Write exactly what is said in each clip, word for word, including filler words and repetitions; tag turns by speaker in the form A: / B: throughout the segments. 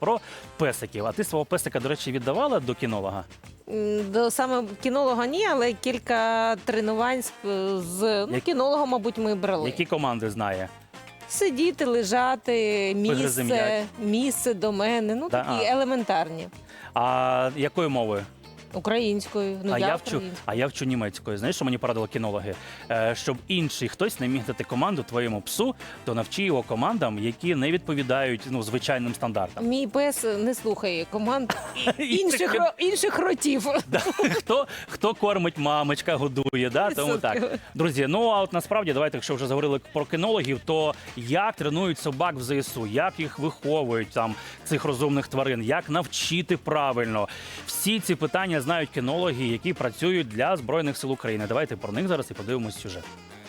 A: про песиків. А ти свого песика, до речі, віддавала до кінолога?
B: М, До саме кінолога ні, але кілька тренувань з, з ну,
A: Як-
B: кінологом, мабуть, ми брали.
A: Які команди знає?
B: Сидіти, лежати,
A: Вигризи
B: місце,
A: м'яч.
B: місце до мене. Ну,
A: Да,
B: такі
A: а.
B: елементарні.
A: А якою мовою?
B: Українською. Ну,
A: а,
B: я,
A: я вчу,
B: українською.
A: а я вчу німецькою. Знаєш, що мені порадили кінологи? Е, щоб інший хтось не міг дати команду твоєму псу, то навчи його командам, які не відповідають ну, звичайним стандартам.
B: Мій пес не слухає команд
A: Інших
B: інших, ро- інших ротів.
A: Да. Хто, хто кормить, мамочка годує, да? Тому так. Друзі, ну а от насправді, давайте, якщо вже заговорили про кінологів, то як тренують собак в ЗСУ, як їх виховують, там, цих розумних тварин, як навчити правильно. Всі ці питання знають кінологи, які працюють для Збройних сил України. Давайте про них зараз і подивимось сюжет.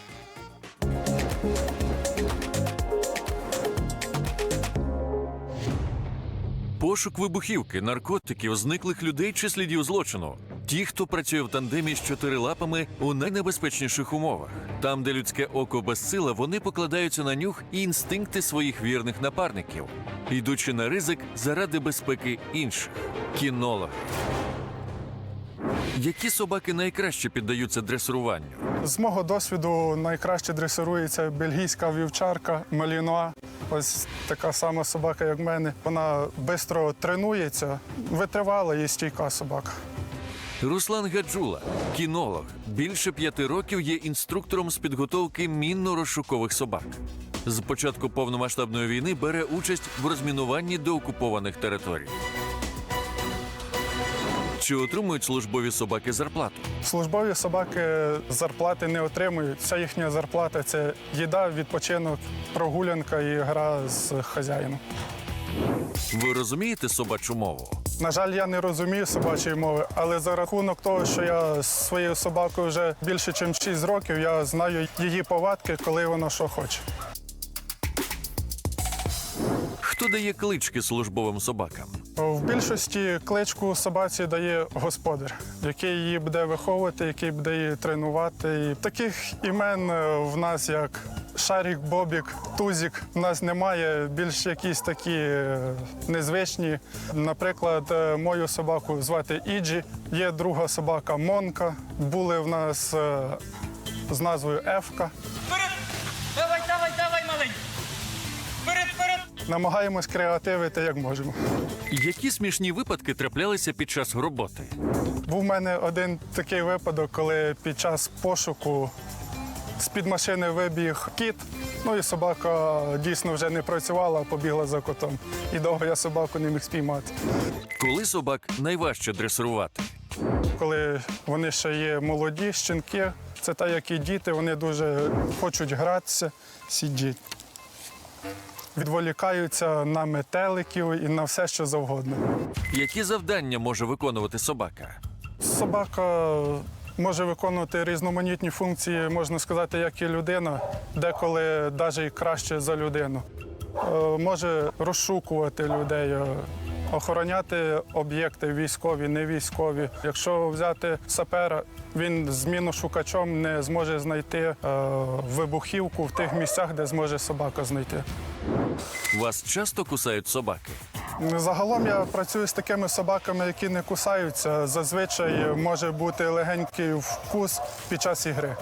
C: Пошук вибухівки, наркотиків, зниклих людей чи слідів злочину. Ті, хто працює в тандемі з чотирилапами у найнебезпечніших умовах. Там, де людське око безсила, вони покладаються на нюх і інстинкти своїх вірних напарників, йдучи на ризик заради безпеки інших. Кінологи. Які собаки найкраще піддаються дресируванню?
D: З мого досвіду найкраще дресирується бельгійська вівчарка Малінуа. Ось така сама собака, як в мене. Вона швидко тренується, витривала і стійка собака.
C: Руслан Гаджула, кінолог, більше п'яти років є інструктором з підготовки мінно-розшукових собак. З початку повномасштабної війни бере участь в розмінуванні деокупованих територій. Чи отримують службові собаки зарплату?
D: Службові собаки зарплати не отримують. Вся їхня зарплата – це їда, відпочинок, прогулянка і гра з хазяїном.
C: Ви розумієте собачу мову?
D: На жаль, я не розумію собачої мови, але за рахунок того, що я з своєю собакою вже більше, ніж шість років, я знаю її повадки, коли вона що хоче.
C: Хто дає клички службовим собакам?
D: В більшості кличку собаці дає господар, який її буде виховувати, який буде її тренувати. І таких імен в нас як Шарік, Бобік, Тузік в нас немає, більш якісь такі е, незвичні. Наприклад, е, мою собаку звати Іджі, є друга собака Монка, були в нас е, з назвою Ефка.
E: Вперед! Давай, давай, давай, маленький! Вперед, вперед!
D: Намагаємось креативити як можемо.
C: Які смішні випадки траплялися під час роботи?
D: Був в мене один такий випадок, коли під час пошуку з-під машини вибіг кіт, ну і собака дійсно вже не працювала, а побігла за котом. І довго я собаку не міг спіймати.
C: Коли собак найважче дресирувати?
D: Коли вони ще є молоді, щенки, це так, як і діти, вони дуже хочуть гратися, сидіть. Відволікаються на метеликів і на все, що завгодно.
C: Які завдання може виконувати собака?
D: Собака може виконувати різноманітні функції, можна сказати, як і людина, деколи навіть і краще за людину. Е, Може розшукувати людей, е, охороняти об'єкти військові, не військові. Якщо взяти сапера, він з міношукачом не зможе знайти е, вибухівку в тих місцях, де зможе собака знайти.
C: Вас часто кусають собаки?
D: Загалом я працюю з такими собаками, які не кусаються. Зазвичай може бути легенький вкус під час ігри.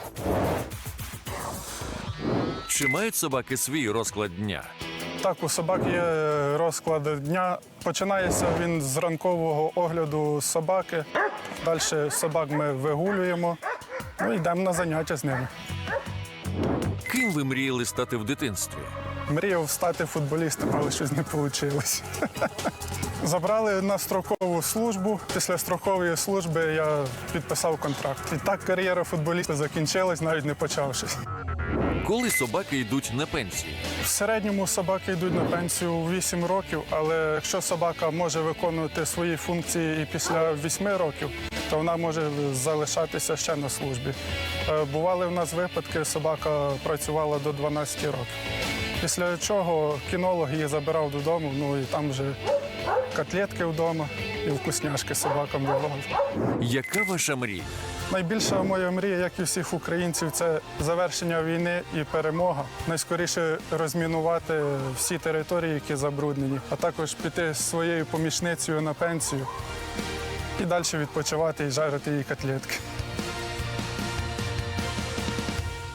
C: Чи мають собаки свій розклад дня?
D: Так, у собак є розклад дня. Починається він з ранкового огляду собаки. Далі собак ми вигулюємо, ну йдемо на заняття з ними.
C: Ким ви мріяли стати в дитинстві?
D: Мріяв стати футболістом, але щось не вийшло. Забрали на строкову службу. Після строкової служби я підписав контракт. І так кар'єра футболіста закінчилась, навіть не почавшись.
C: Коли собаки йдуть на пенсію?
D: В середньому собаки йдуть на пенсію у вісім років, але якщо собака може виконувати свої функції і після вісьми років, то вона може залишатися ще на службі. Е, Бували в нас випадки, собака працювала до дванадцяти років. Після чого кінолог її забирав додому, ну і там вже котлетки вдома і вкусняшки собакам давали.
C: Яка ваша мрія?
D: Найбільша моя мрія, як і всіх українців, це завершення війни і перемога. Найскоріше розмінувати всі території, які забруднені, а також піти з своєю помічницею на пенсію і далі відпочивати і жарити їй котлетки.